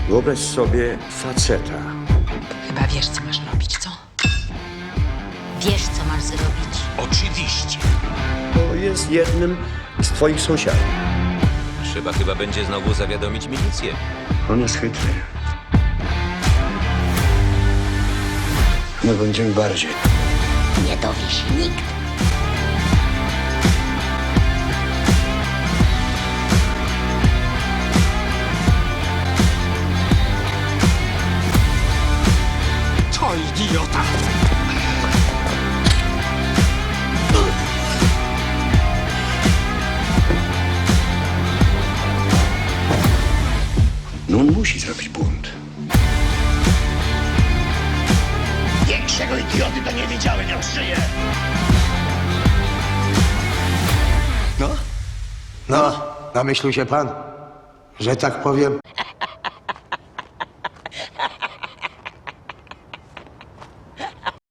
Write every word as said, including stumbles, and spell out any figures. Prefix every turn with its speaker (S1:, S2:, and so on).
S1: Wyobraź sobie faceta.
S2: Chyba wiesz, co masz robić, co?
S3: Wiesz, co masz zrobić.
S4: Oczywiście.
S1: To jest jednym z twoich sąsiadów.
S4: Trzeba chyba będzie znowu zawiadomić milicję.
S1: On jest chytry. My będziemy bardziej.
S3: Nie dowie się nikt.
S4: To idiota!
S1: No on musi zrobić bunt.
S5: Większego idioty to nie widziałem, jak żyje.
S6: No, namyślił się pan, że tak powiem.